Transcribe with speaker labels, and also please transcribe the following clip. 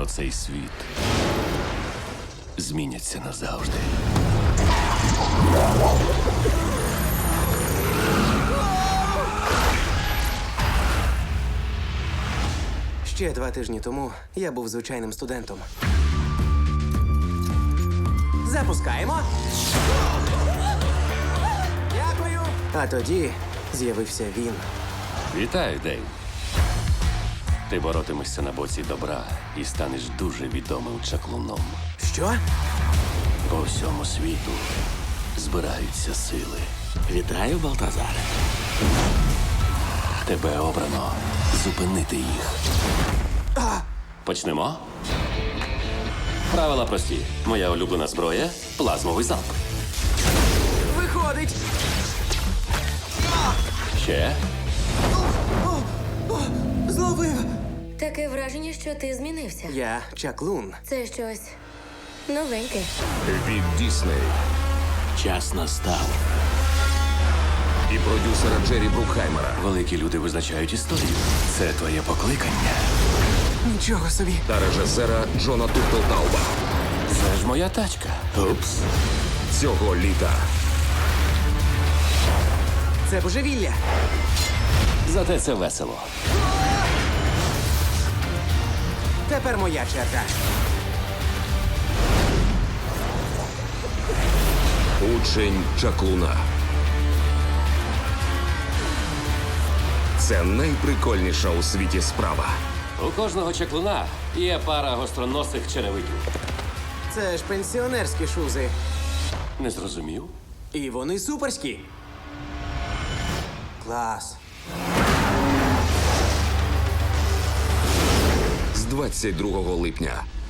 Speaker 1: про цей світ зміняться назавжди.
Speaker 2: Ще 2 тижні тому я був звичайним студентом. Запускаємо. Дякую. А тоді з'явився він.
Speaker 1: Вітаю, Дейв. Ти боротимешся на боці добра і станеш дуже відомим чаклуном.
Speaker 2: Що?
Speaker 1: По всьому світу збираються сили.
Speaker 3: Вітаю, Балтазаре.
Speaker 1: Тебе обрано зупинити їх. Почнемо? Правила прості. Моя улюблена зброя – плазмовий залп.
Speaker 2: Виходить.
Speaker 1: Ще?
Speaker 2: Зловив.
Speaker 4: Таке враження, що ти змінився.
Speaker 2: Я чаклун.
Speaker 4: Це щось новеньке.
Speaker 5: Від Дісней
Speaker 3: Час настав.
Speaker 5: і продюсера Джері Брукхаймера
Speaker 1: Великі люди визначають історію. Це твоє покликання.
Speaker 2: Нічого собі.
Speaker 5: та режисера Джона Туртлтауба.
Speaker 1: Це ж моя тачка.
Speaker 3: Упс.
Speaker 5: Цього літа
Speaker 2: Це божевілля.
Speaker 1: Зате це весело.
Speaker 2: Тепер моя черга.
Speaker 5: Учень чаклуна. Це найприкольніша у світі справа.
Speaker 1: У кожного чаклуна є пара гостроносих черевиків.
Speaker 2: Це ж пенсіонерські шузи.
Speaker 1: Не зрозумів?
Speaker 2: І вони суперські. Клас.
Speaker 5: З 22 липня